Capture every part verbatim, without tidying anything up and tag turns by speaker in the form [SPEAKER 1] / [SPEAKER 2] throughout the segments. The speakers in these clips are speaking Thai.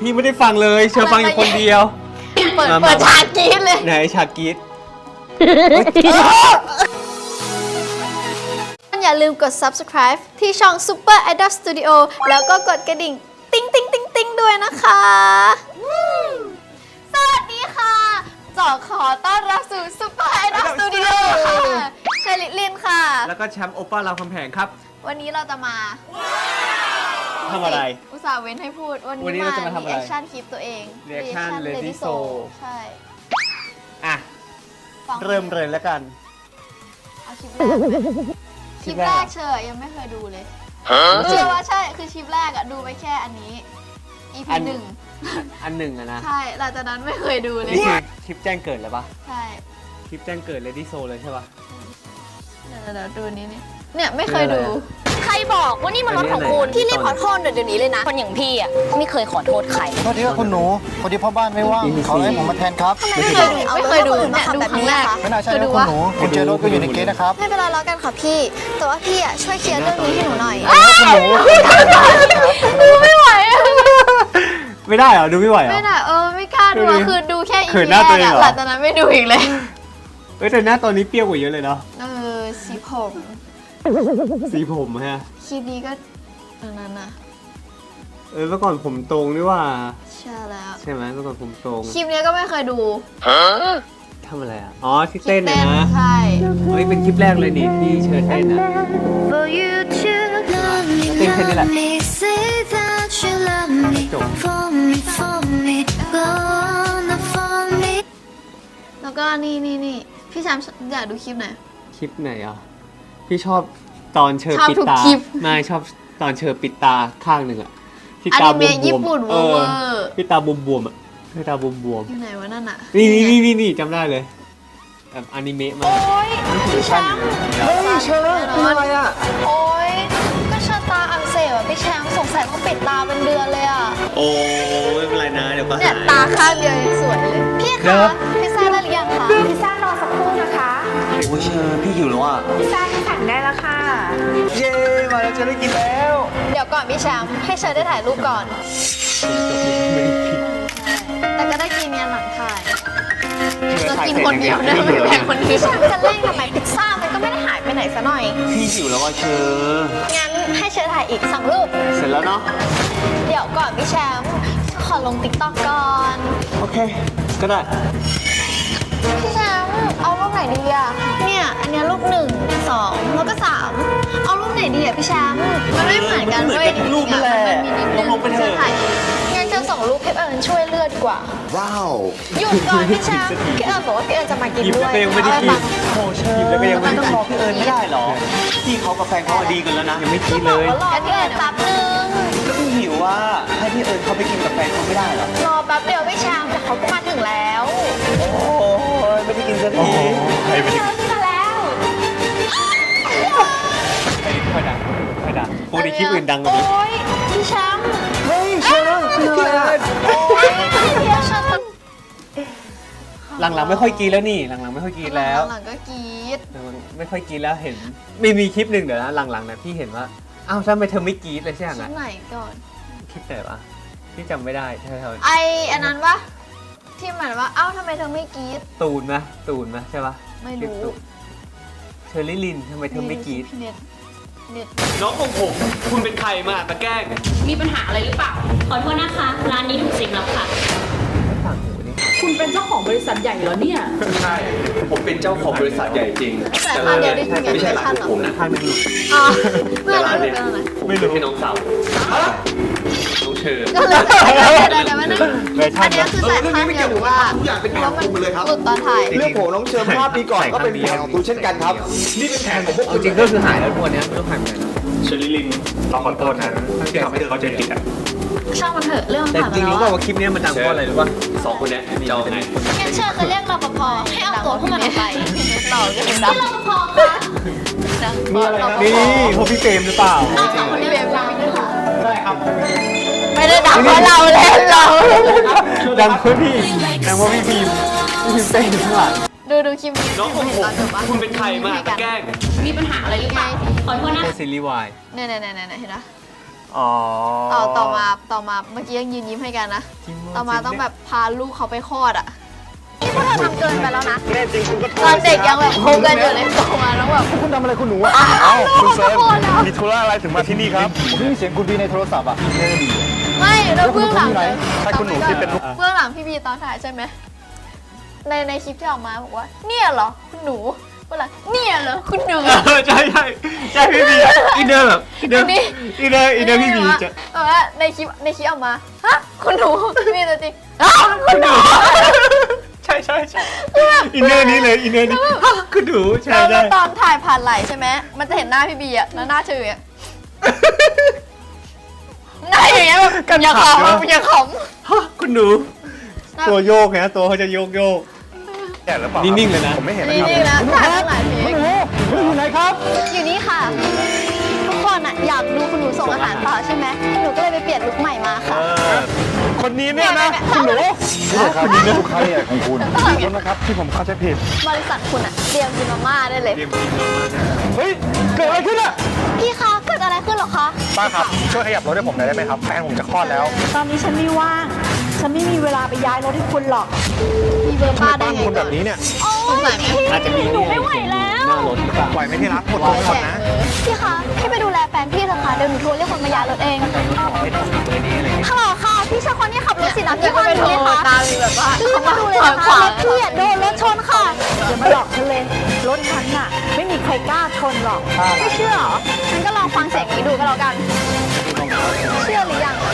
[SPEAKER 1] พี่ไม่ได้ฟังเลยเชอฟังอยู่คนเดียว
[SPEAKER 2] เปิดเปิดฉากกรี๊ดเลย
[SPEAKER 1] ไหนฉากกรี๊ด
[SPEAKER 2] อย่าลืมกด ซับสไครบ์ ที่ช่อง Super Idol Studio แล้วก็กดกระดิ่งติ๊งติ๊งติ๊งติ๊งด้วยนะคะสวัสดีค่ะจอขอต้อนรับสู่ Super Idol Studio ค่ะเชลิลินค่ะ
[SPEAKER 1] แล้วก็แชมป์โอป้ารามคำแหงครับ
[SPEAKER 2] วันนี้เราจะมา
[SPEAKER 1] ทำอะไร
[SPEAKER 2] อุตส่าห์เว้นให้พูดวันนี้มา รีแอคชั่นคลิปตัวเอง
[SPEAKER 1] Reaction Lady So
[SPEAKER 2] ใช่
[SPEAKER 1] อ่ะเริ่มเลยแล้วกัน
[SPEAKER 2] เอาคลิปแรกคลิปแรกเชอยังไม่เคยดูเลยเชื่อว่าใช่คือคลิปแรกอะดูไปแค่อันนี้ อี พี หนึ่ง
[SPEAKER 1] อันหนึ่งอะนะ
[SPEAKER 2] ใช่หลังจากนั้นไม่เคยดูเลย
[SPEAKER 1] นี่คือคลิปแจ้งเกิดเลยปะ
[SPEAKER 2] ใช่
[SPEAKER 1] คลิปแจ้งเกิด Lady So เลยใช่ปะ
[SPEAKER 2] เดี๋ยวเดี๋ยวดูนี้นี่เนี่ยไม่เคยดู
[SPEAKER 3] ใครบอกว่านี่มันรถของคุณพี่รีบขอโทษเดี๋ยวนี้เลยนะคนอย่างพี่อ่ะไม่เคยขอโทษใคร
[SPEAKER 4] โทษทีครับคุณหนูพอดีพ่อบ้านไม่ว่างเขาให้ผมมาแทนครับ
[SPEAKER 2] ไม่เคยดูไม่เคยดูเนี่ยดูครั้งแรก
[SPEAKER 4] ไม่น่าใช่นะคุณหนูคุณเจอรถก็อยู่ในเกตนะครับ
[SPEAKER 2] ไม่เป็นไรแล้วกันค่ะพี่แต่ว่าพี่อ่ะช่วยเคลียร์เรื่องนี้ให้หนูหน่อย
[SPEAKER 4] คุณหนู
[SPEAKER 2] ดูไม่ไหว
[SPEAKER 1] ไม่ได้เหรอดูไม่ไหวเหรอ
[SPEAKER 2] ไม่ได้เออไม่กล้าดูคือดูแค่อี
[SPEAKER 1] พี
[SPEAKER 2] แรกอะหลังจากนั้นไม่ดูอีกเลย
[SPEAKER 1] เอ้ยแต่หน้าตอนนี้เปรี้ยวกว่าเยอะเลยเนาะ
[SPEAKER 2] เออสีผม
[SPEAKER 1] สีผมฮะ
[SPEAKER 2] คลิปนี้ก็อันนั้นนะ
[SPEAKER 1] เออเมื่อก่อนผมตรงนี่ว่า
[SPEAKER 2] ใช่แล้ว
[SPEAKER 1] ใช่ไหมเมื่อก่อนผมตรง
[SPEAKER 2] คลิปนี้ก็ไม่เคยดู
[SPEAKER 1] ทำอะไรอ่ะอ๋อที่เต้นนะ
[SPEAKER 2] ใช่
[SPEAKER 1] เฮ้ยเป็นคลิปแรกเลยนี่ที่เชิญเต้นนะเต้นแค่นี้แหละจบ
[SPEAKER 2] แล้วก็นี่นี่นี่พี่แชมป์อยากดูคลิปไหน
[SPEAKER 1] คลิปไหนอ่ะพี่ชอบตอนเชอปิดตาไม่ชอบตอนเชอปิดตาข้างหนึ่งอะที่ตาบวมบวมเออที่ตาบวมบวมอะที่ตาบวมบวม
[SPEAKER 2] อยู่ไหนวะนั่นอะ
[SPEAKER 1] นี่นี่นี่นี่จำได้เลยแบบอนิเมะมาก
[SPEAKER 2] โอ๊ยพี่แชมป์
[SPEAKER 4] เฮ้ยเชอเป็นอะไรอะ
[SPEAKER 2] โอ๊ยก็เชอตาอักเสบอะพี่แชมป์สงสัยต้องปิดตาเป็นเดือนเลยอะ
[SPEAKER 1] โอ้ไม่เป็นไรนะเดี๋ยวก็หาย
[SPEAKER 2] เนี่ยตาข้างเดียวสวยเลยพี่คะพิซซ่าได้หรือยังคะ
[SPEAKER 5] พิซซ่ารอสักครู่นะคะ
[SPEAKER 1] โอ้เชอพี่หิวแล้วอ่ะ
[SPEAKER 5] พิซซ่าที่สั่งได้แล้วค่ะ
[SPEAKER 4] เย้มาแล้วจะได้กินแล้ว
[SPEAKER 2] เดี๋ยวก่อนพี่แชมป์ให้เชอได้ถ่ายรูปก่อนแต่ก็ได้กินเนี่ยหลังถ่ายจะกินคนเดียวนะไม่แบ่งคนเดียวจะเร่งทำไมพิซซ่ามันก็ไม่ได้หายไปไหนซะหน่อย
[SPEAKER 1] พี่หิวแล้วอ่ะเชอ
[SPEAKER 2] งั้นให้เชอถ่ายอีกสองรูป
[SPEAKER 1] เสร็จแล้วเนาะ
[SPEAKER 2] เดี๋ยวก่อนพี่แชมป์ขอลงติ๊กต็อกก่อน
[SPEAKER 1] โอเคก็ได้
[SPEAKER 2] พี่แชมป์เอารูปไหนดีอะเนี่ยอันนี้รูปหนึ่งสองแล้วก็สามเอารูปไหนดีอะพี่แชมป์มันไม่เหมือนกันเว้ย
[SPEAKER 1] รูปนั่นแหละลงไปเถอะ
[SPEAKER 2] งั้นจะส่งรูปพี่เอิญช่วยเลือกดีกว่า
[SPEAKER 4] ว้าว
[SPEAKER 2] หยุดก่อนพี่แชมป์พี่เอิญบอกว่าพี่เอิญจะมากินด้วย
[SPEAKER 1] ก็ยังไม่ได้กินโอ้เชิญแล้วก็ยังไม่ได้
[SPEAKER 4] ต้องรอพี่เอิญไม่ได้หรอพี่เขากับแฟนเขาดีกันแล้วนะ
[SPEAKER 1] ยังไม่กินเลย
[SPEAKER 2] งั้นพี่เอิญแป๊บนึง
[SPEAKER 4] ก็พี่หิวว่าให้พี่เอิญเขาไปกินกับแฟนเขาไม่ได้หรอ
[SPEAKER 2] รอแป๊บเดียวพี่แชมป์แต่เขาก็มาถึงแล้ว
[SPEAKER 4] โอ้ยไม่ได้กินสักที
[SPEAKER 2] พี่เอิญมาแล้ว
[SPEAKER 1] ค่อยดังค่อยดังพวกนี้คลิปอื่นดังกว่านี้
[SPEAKER 2] โอ้ยพี่แชมป์
[SPEAKER 4] เฮ้ยเชิญพี่เอิญ
[SPEAKER 1] หลังๆไม่ค่อยกินแล้วนี่หลังๆไม่ค่อยกินแล้ว
[SPEAKER 2] หลังๆก็กิน
[SPEAKER 1] ไม่ค่อยกินแล้วเห็นไม่มีคลิปหนึ่งเดี๋ยวนะหลังๆนะพี่เห็นว่าอ้าวทำไมเธอไม่กินเลยใช่ไหม
[SPEAKER 2] คลิปไหนก่อน
[SPEAKER 1] คลิปไหนวะพี่จำไม่ได้เธอ
[SPEAKER 2] ไออันนั้นปะที่เหมือนว่าเอ้าทำไมเธอไม่กรี๊ด
[SPEAKER 1] ตูนนะตูนนะใช่ปะ
[SPEAKER 2] ไม่รู้
[SPEAKER 1] เชอรี่ลินทำไมเธอไม่กรี๊ด
[SPEAKER 2] เน็ตเน็ต
[SPEAKER 1] น้องของผมคุณเป็นใครมาตะแกล้ง
[SPEAKER 3] มีปัญหาอะไรหรือเปล่าขอโทษนะคะร้านนี้ถูกสิงแล้วค่ะ
[SPEAKER 5] คุณเป็นเจ้าของบริษัทใหญ่เหรอเนี่ย
[SPEAKER 6] ใช่ผมเป็นเจ้าของบริษัทใหญ่จริง
[SPEAKER 2] แต่ร้านเดียว
[SPEAKER 6] ไม่ใช่ร้านของผมนะ
[SPEAKER 1] ข้างนึง
[SPEAKER 2] อ๋อเมื่อร้านเนี่ย
[SPEAKER 6] ไม่รู้ให้น้องสาวน้องเชอ
[SPEAKER 2] ก็เลยเดี๋ยวเดี๋ยวนั่งอันนี้คือแต่ข้างเดียวหรือว่า
[SPEAKER 6] ทุกอย่างเป็นแผนของผมเลยครับ
[SPEAKER 2] หลุดตอนถ่าย
[SPEAKER 4] เรื่องผมน้องเชิญภาพปีก่อนก็เป็นแผนของตูเช่นกันครับ
[SPEAKER 6] นี่เป็นแผนของพวก
[SPEAKER 1] จริงก็คือหายแล้วทุกวันนี้ไม่ต้องหายไปไหน
[SPEAKER 6] เชอรี่ลินเราขอโทษนะที่ทำให้เขาใจผิดอ่ะ
[SPEAKER 2] ช่างมันเถอะเรื่อง
[SPEAKER 1] แต่จริงรู้ป่าวว่าคลิปนี้มันดังเพราะอะไรรู้ป่ะ
[SPEAKER 6] สองคนนี้จะเอาไง
[SPEAKER 2] งั้นเชิญจะเรียกรปภให้เอาตัวพวกมันออกไปต่อกันที่รปภค่ะ
[SPEAKER 1] นี่พวกพี่เฟรมหรือเปล่า
[SPEAKER 2] เอาสองคนนี้เฟรมดังด้วยค่ะได้ครับไม่ได้ดังเพราะเราเล่นเรา
[SPEAKER 1] ดังเพราะพี่ดังเพราะพี่พิมพี่พิมเฟรมข้างหลัง
[SPEAKER 2] ดูดูคลิปนี้
[SPEAKER 1] น้องของผมคุณเป็นใครมาแกล้ง
[SPEAKER 3] มีปัญหาอะไรหรือเปล่าขอโทษนะ
[SPEAKER 1] ซีรีส์วาย
[SPEAKER 2] เนี่ยเนี่ยเนี่ยเห็นไหม
[SPEAKER 1] อ๋อ
[SPEAKER 2] ต่อต่อมาต่อมาเมื่อกี้ยังยืนยิ้มให้กันนะ ต่อมาต้องแบบพาลูกเขาไปคลอดอ่ะนี่พวกเธอทำเกินไปแล้วนะ
[SPEAKER 4] แน่จริงคุณก็โทร
[SPEAKER 2] ตอนเด็กยังแบบคบกันอยู่เลยโตมาแล้วแบบ
[SPEAKER 4] คุณทำอะไรคุณหนูอ่ะ
[SPEAKER 2] อ้าวคุณเซิร์ฟ
[SPEAKER 4] มีธุระอะไรถึงมาที่นี่ครับผมได้ยินเสียงคุณบีในโทรศัพท์อ่ะแน่ดี
[SPEAKER 2] ไม่แล้วเบื้องหลัง
[SPEAKER 4] แล้วคุณเป็นคนที่ไหนใช่คุณหนูที่เป็นลูก
[SPEAKER 2] เบื้องหลังพี่บีตอนถ่ายใช่ไหมในในคลิปที่ออกมาบอกว่าเนี่ยเหรอคุณหนูเบื้องหลังเนี่ยเหรอคุณหนู
[SPEAKER 1] เออใช่ใช่ใช่พี่บีอินเนอร์แบบอินเนอร์
[SPEAKER 2] อันนี้
[SPEAKER 1] อินเนอร์อินเนอร์พี่บีจะ
[SPEAKER 2] แบบว่าในคลิปในคลิปออกมาฮะคุณหนูพี่บีตัวจริงอ้าวคุณหนู
[SPEAKER 1] ใช่ใช่ใช่อินเนอร์นี้เลยอินเนอร์นี้คุณหนูใช่
[SPEAKER 2] แล้ว
[SPEAKER 1] ใช่
[SPEAKER 2] ตอนถ่ายผ่านไหลใช่ไหมมันจะเห็นหน้าพี่บีอะแล้วหน้าเฉยอะหน้าอย่างเงี้ยแบบอย่าขำอย่าข
[SPEAKER 1] ฮะคุณหนู
[SPEAKER 2] ำ
[SPEAKER 1] ตัวโยกนะตัวเขาจะโยกโยก
[SPEAKER 4] แก่หรือเปล่า
[SPEAKER 1] นิ่งๆเลยนะ
[SPEAKER 4] ผมไม่เห็น
[SPEAKER 2] นี่
[SPEAKER 4] นะครับ
[SPEAKER 2] นี่นะถ่ายตั้งหลายเพลง
[SPEAKER 4] คุณอยู่ไหนครับ
[SPEAKER 2] อยู่นี่ค่ะ ทุกคนอะอยากดูคุณหนูส่งอาหารต่อใช่ไหมหนูก็เลยไปเปลี่ยนลุคใหม่มาค่ะ
[SPEAKER 4] คนนี้เนี่ยนะคุณหนูนี่ครับนี่ลูกค้าใหญ่ของคุณขอโทษนะครับที่ผมเข้าใจผิด
[SPEAKER 2] บริษัทคุณอะเตรียมกินมาม่าได้เลย
[SPEAKER 4] เฮ้ยเกิดอะไรขึ้นอ่ะ
[SPEAKER 2] พี่คะเกิดอะไรขึ้นหรอคะ
[SPEAKER 4] ป้าครับช่วยขยับรถให้ผมหน่อยได้ไหมครับแฟนผมจะคลอดแล้ว
[SPEAKER 5] ตอนนี้ฉันไม่ว่าง ฉันไม่มีเวลาไปย้ายรถให้คุณหรอก
[SPEAKER 2] มีเบอร์
[SPEAKER 4] ทำ
[SPEAKER 2] ป้า
[SPEAKER 4] ไม
[SPEAKER 2] ได้
[SPEAKER 4] บ้าน
[SPEAKER 2] ไง
[SPEAKER 4] คุณแบบนี้เนี่ย
[SPEAKER 2] สงสัยไหม
[SPEAKER 1] อาจจะมีหนูไม่ไหวแล้วหน้ารถหรือเปล่า
[SPEAKER 4] ไหวไหมที่รักหมดตัวก่อนนะ
[SPEAKER 2] พี่คะพี่ไปดูแลแฟนพี่เถอะค่ะเดี๋ยวหนูโทรเรียกคนมาย้ายรถเองฮัลโหลค่ะ พี่ชายคนที่ขับรถสีน้ำที่ห้องนี้ไหมคะตามแบบว่ารีบมาดูเลยนะคะรถพี่อะโดนรถชนค่ะ
[SPEAKER 5] อย่ามาหลอกฉันเลย รถฉันน่ะ ไม่มีใครกล้าชนหรอก
[SPEAKER 2] ไม่เชื่อเหรอฉันก็ลองฟังเสียงนี้ดูก็แล้วกัน เชื่อหรือยัง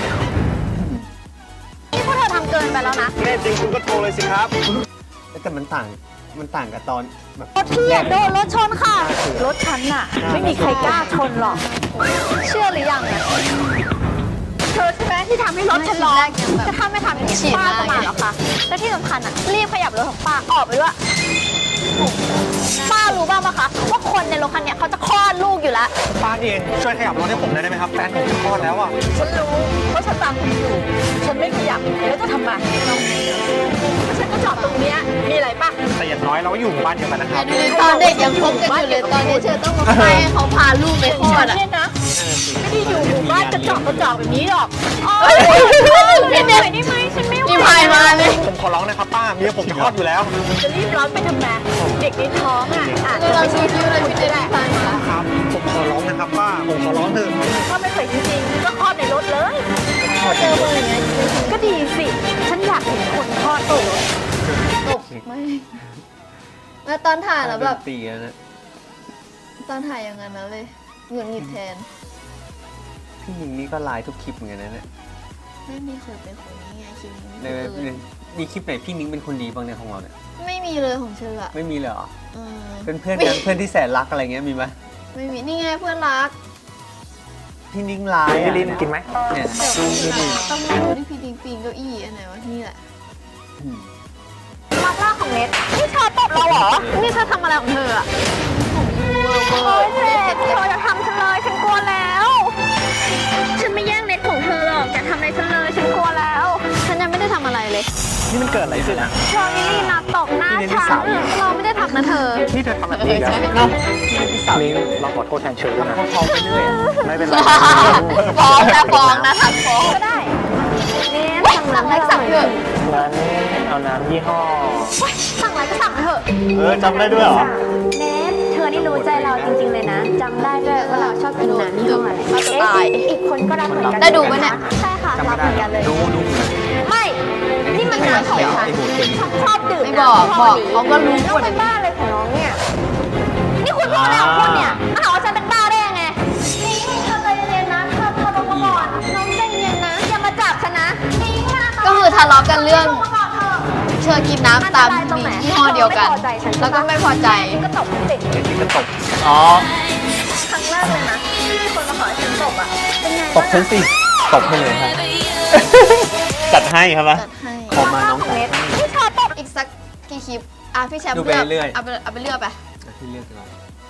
[SPEAKER 2] นี่พวกเธอทำเกินไปแล้วนะ
[SPEAKER 4] แน่จริงคุณก็โทรเลยสิครับ
[SPEAKER 1] แต่มันต่างมันต่างกับตอนแบบ
[SPEAKER 2] รถพี่อะโดนรถชนค่ะ
[SPEAKER 5] รถฉันน่ะ ไม่มีใครกล้าชนหรอก
[SPEAKER 2] เชื่อหรือยังอะเธอใช่ไหมที่ทำให้รถฉันร้อนจะถ้าไม่ทำอย่างนี้ป้าจะมาเหรอคะและที่สำคัญอ่ะรีบขยับรถของป้าออกไปด้วยป้ารู้บ้างปะคะว่าคนในรถคันเนี้ยเขาจะคลอดลูกอยู่แล้ว
[SPEAKER 4] ป้าเองช่วยขยับรถให้ผมหน่อยได้ไหมครับแฟนผมจะคลอดแล้วอ่ะ
[SPEAKER 5] ฉันรู้เพราะฉันตามคุณอยู่ ฉันไม่ขยับแล้วจะทำไมฉันก็จอดตรงเนี้ยมีอะไรป่ะ
[SPEAKER 4] แต่อย่างน้อยเราก็อยู่หมู่บ้านเดียวกันนะครับ
[SPEAKER 2] ตอนเด็กยังคบกันอยู่เลยตอนนี้เธอต้องมาให้เขาพาลูกไปคลอดอ่ะ
[SPEAKER 5] เนี่ยนะ ไม่ได้อยู่หมู่บ้านกระจอกกระจอกแบบนี้หรอก
[SPEAKER 2] พี่เด็กได้ไหมฉันไม่ไหวมีพายมาเลย
[SPEAKER 4] ผมขอร้องนะครับป้าเมียผมจะคลอดอยู่แล้ว
[SPEAKER 5] จะรีบร้อนไปทำไมเด็กในท้องอ่ะอาจจะ
[SPEAKER 2] เรา
[SPEAKER 5] ไม่
[SPEAKER 2] ชิ
[SPEAKER 5] ใช่
[SPEAKER 2] วๆเลยพี่เด็กได้พายมา
[SPEAKER 4] ครับ ผมขอร้องนะครับป้า ผมขอร้องเถอะ
[SPEAKER 5] ถ้าไม่เคยจริงๆก็คลอดในรถเลย
[SPEAKER 2] เจอมืออย่างเงี้ย
[SPEAKER 5] ก็ดีสิ ฉันอยากเห็นคนคลอดตัว
[SPEAKER 2] ตกไม่แล้วตอนถ่ายแล้วแบบ
[SPEAKER 1] ตีแล้วนะ
[SPEAKER 2] ตอนถ่ายอย่างนั้นนะเลยหงุดหงิดแทน
[SPEAKER 1] พี่มิงนี่ก็ไลน์ทุกคลิปเหมือนกันนะเนี่ย
[SPEAKER 2] ไม่มีเคยเป็นคนนี้ไงคิม
[SPEAKER 1] ในในมีคลิปไหนพี่มิงเป็นคนดีบ้างในยของเราเนี่ย
[SPEAKER 2] ไม่มีเลยของเธออะ
[SPEAKER 1] ไม่มีเลยเหรอ
[SPEAKER 2] เออ
[SPEAKER 1] เป็นเพื่อนกันเพื่อนที่แสนรักอะไรเงี้ยมีไหม
[SPEAKER 2] ไม่มีนี่ไงเพื่อนรัก
[SPEAKER 1] พี่นิ้งไลน์
[SPEAKER 4] พี่ลินกินไหม
[SPEAKER 1] เนี่ย
[SPEAKER 2] ต้องมาดูที่พี่ปิงปิงเก้าอี้อันไหนวะนี่แหละ
[SPEAKER 1] อืม
[SPEAKER 2] มาล่าของเน็ตนี่เธอตบเราเหรอ นี่เธอทำอะไรของเธออะโอ้ยเน็ตเธอจะทำฉันเลยฉันกลัวแล้ว ฉันไม่แย่งเน็ตของเธอหรอกอย่าทำอะไรฉันเลยฉันกลัวแล้ว ฉันยังไม่ได้ทำอะไรเลย
[SPEAKER 4] นี่มันเกิดอะไรขึ้นอ่ะ
[SPEAKER 2] เธอนี่นะตบหน้าฉันเราไม่ได้ทำนะเธอ
[SPEAKER 4] นี่เธอทำแบบนี้แล้ว
[SPEAKER 1] เนาะ
[SPEAKER 4] ลิงเราขอโทษแทนเชอร์ด้วยนะ
[SPEAKER 1] เขาไปเรื่อยอะ
[SPEAKER 4] ไม่เป็นไร
[SPEAKER 2] ฟ้องนะฟ้องนะทักฟ้องก็ได้เน็ตสั่งอะไรสั่งเถอะ
[SPEAKER 4] งั้นเอาน้ำยี่ห้อ
[SPEAKER 2] สั่งอะไรก็สั่งเถอะ
[SPEAKER 1] เออจำได้ด้วยเหรอ
[SPEAKER 7] เนทเธอนี่รู้ใจเราจริงๆเลยนะจำได้ด้วยว่าเราชอบกินน้ำยี่ห้ออะไร
[SPEAKER 2] เราจะตาย
[SPEAKER 7] อีกคนก็รักเหมือนกัน
[SPEAKER 2] ได้ดูปะเนี่ย
[SPEAKER 7] ใช่ค่ะรักเหมือนกันเลย
[SPEAKER 1] ดูดู
[SPEAKER 2] ไม่ นี่มันน้ำของฉัน
[SPEAKER 1] ไอ้หูเก่ง
[SPEAKER 7] ชอบดื่ม
[SPEAKER 2] ไม่บอกบอกเขาก็รู้
[SPEAKER 7] น้
[SPEAKER 2] ห
[SPEAKER 7] อง
[SPEAKER 2] มด
[SPEAKER 7] เป็นบ้าเลยของน้องเนี่ย
[SPEAKER 2] นี่คุณพูดอะไรของคุณเนี่ยมาหาว่าฉันเป็นบ้าได้ยังไงนี่เธอใจเย็นๆนะเธอเธอลงมาก่อนน้องใจเย็นนะอย่ามาจับฉันนะก็คือทะเลาะกันเรื่องเธอกินน้ำตามยี่ห้อเดียวกัน แล้วก็ไม่พอใจ
[SPEAKER 7] ก็ตบติด
[SPEAKER 1] ไอ้ที่ก็ตกอ๋อ
[SPEAKER 7] ครั้งแรกเลยนะที่คนมาขอให้ฉันตบอ่ะเป็นไง
[SPEAKER 1] ตกฉันสิตกให้เลยครับ จัดให้ครับวะ
[SPEAKER 2] จัดให้
[SPEAKER 1] ขอมาน้อง
[SPEAKER 7] ของ
[SPEAKER 1] จัด
[SPEAKER 7] เน็ต
[SPEAKER 2] พี่ชาตบอีกสักกี่คลิปอ่ะพี่แชมป์
[SPEAKER 1] ดูไปเรื่อย
[SPEAKER 2] เอาไปเอาไปเลือกไป
[SPEAKER 1] ที่เลือกกันเรา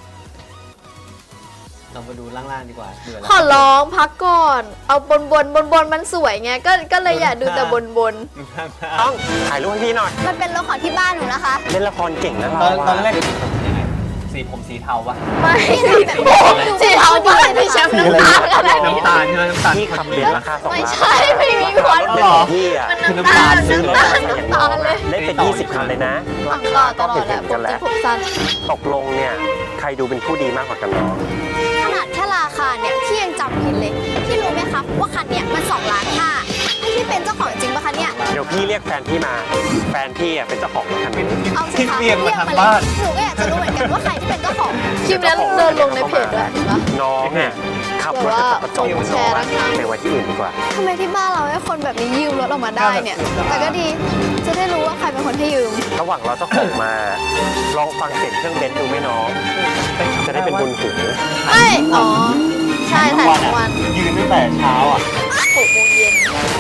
[SPEAKER 1] เรามาดูล่างๆดีกว่าเดือด
[SPEAKER 2] ขอร้องพักก่อน เอาบนบนบนบนมันสวยไง ก็ก็เลยอยากดูแต่บนบน
[SPEAKER 4] ต้องถ่ายรูปให้พี่หน่อย
[SPEAKER 2] มันเป็นรถของที่บ้านหนูนะคะ
[SPEAKER 4] เล่นละครเก่งนะ
[SPEAKER 1] ตอ
[SPEAKER 4] เรา
[SPEAKER 1] นตอนแรก
[SPEAKER 2] ส
[SPEAKER 1] สีผมสีเทาปะ
[SPEAKER 2] ไม่สีเทาบ้านพี่แชมป์น้ำตาลอะไร
[SPEAKER 1] น้ำตาลใช่ไหมน้ำตาล
[SPEAKER 8] พี่ขับเรียนราคาสอง
[SPEAKER 2] ไม่
[SPEAKER 8] ล้าน
[SPEAKER 2] ใช่ไม่มีคน
[SPEAKER 1] หรอ
[SPEAKER 8] พี่อ่ะ
[SPEAKER 2] มันน้ำตาลน้ำตาลน้ำตาลเลย
[SPEAKER 8] ได้เป็นยี่สิบคันเลยนะ
[SPEAKER 2] ฝังหล่อตลอดแหละปกติผมสั้น
[SPEAKER 8] ตกลงเนี่ยใครดูเป็นผู้ดีมากกว่ากันเนาะ
[SPEAKER 3] ขนาดแค่ราคาเนี่ยพี่ยังจำผิดเลย พี่รู้ไหมคะว่าคันเนี้ยมันสองล้านห้าพี่เป็นเจ้าของจริงปะคะเนี่ย
[SPEAKER 8] เดี๋ยวพี่เรียกแฟนพี่มา แฟนพี่อ่ะเป็นเจ้าของรถคันนี้
[SPEAKER 3] เอาสิคะ
[SPEAKER 1] เรียกมาทาง
[SPEAKER 3] เลย
[SPEAKER 1] บ้าน
[SPEAKER 3] หนูก็อยากจะรู้เหมือนกันว่าใครที่เป็นเจ้าของ
[SPEAKER 2] คลิปนั้นเดินลงในเพจด้วยเห็นปะ
[SPEAKER 8] น้องเนี่ยขับรถจะกระจก
[SPEAKER 2] แชร์นะคะ
[SPEAKER 8] ไปไว้ที่อื่นดีกว่า
[SPEAKER 2] ทำไมที่บ้านเราให้คนแบบนี้ยืมรถออกมาได้เนี่ย แต่ก็ดีจะได้รู้ว่าใครเป็นคนให้ยืม
[SPEAKER 8] ระหว่างเราเจ้าของมา ลองฟังเสียงเครื่องเบนซ์ดูไหมน้อง จะได้เป็นบุญหู
[SPEAKER 2] เอ้ยอ๋อใช่ถ่ายทั้งวัน
[SPEAKER 1] ยืนตั้งแต่เช้าอ่ะ
[SPEAKER 2] หกโมงเย็น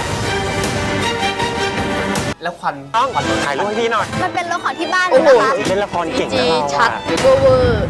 [SPEAKER 1] แล้วควัน
[SPEAKER 8] ต้องถ่ายรูปให้พี่หน่อย
[SPEAKER 3] มันเป็นรถของที่บ้านเลยนะคะ
[SPEAKER 8] เล่นละครเก่ง
[SPEAKER 2] จี
[SPEAKER 8] นะเรา
[SPEAKER 2] ชัด
[SPEAKER 8] อะ
[SPEAKER 2] เวอร์เวอร์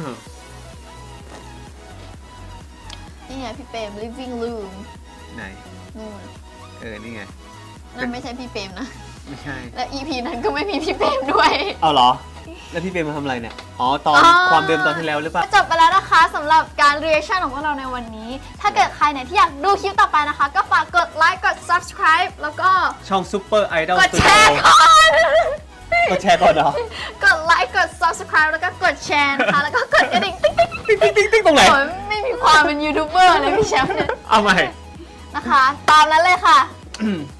[SPEAKER 2] นี่ไงพี่เปรม living room
[SPEAKER 1] ไหน
[SPEAKER 2] นู่น
[SPEAKER 1] เออ นี่ไง
[SPEAKER 2] นั่นไม่ใช่พี่เปรมนะ
[SPEAKER 1] ไม่ใช่
[SPEAKER 2] และ อี พี นั้นก็ไม่มีพี่เปรมด้วย
[SPEAKER 1] เอาเหรอ แล้วพี่เปรมมาทำอะไรเนี่ย อ๋อ ตอน
[SPEAKER 2] อ๋อ
[SPEAKER 1] ความเดิมตอนที่แล้วหรือเปล่า
[SPEAKER 2] จบไปแล้วนะคะสำหรับการ reaction ของพวกเราในวันนี้ ถ้าเกิดใครเนี่ยที่อยากดูคลิปต่อไปนะคะ ก็ฝากกดไลค์กด subscribe แล้วก็
[SPEAKER 1] ช่องซูเปอร์ไอดอล
[SPEAKER 2] กดแชร์ก่อน
[SPEAKER 1] กดแชร์ก่อนเหรอ
[SPEAKER 2] กดไลค์กด subscribe แล้วก็กดแชร์นะคะ แล้วก็กดกระดิ่งติ๊งติ๊ง
[SPEAKER 1] ติ๊งติ๊งติ๊งติ๊งตรงไหน
[SPEAKER 2] โอ้ยไม่มีความเป็นยูทูบเบอร์เลยพี่แชมป์เนี่ย
[SPEAKER 1] เอาใหม่
[SPEAKER 2] นะคะ ตามนั้นเลยค่ะ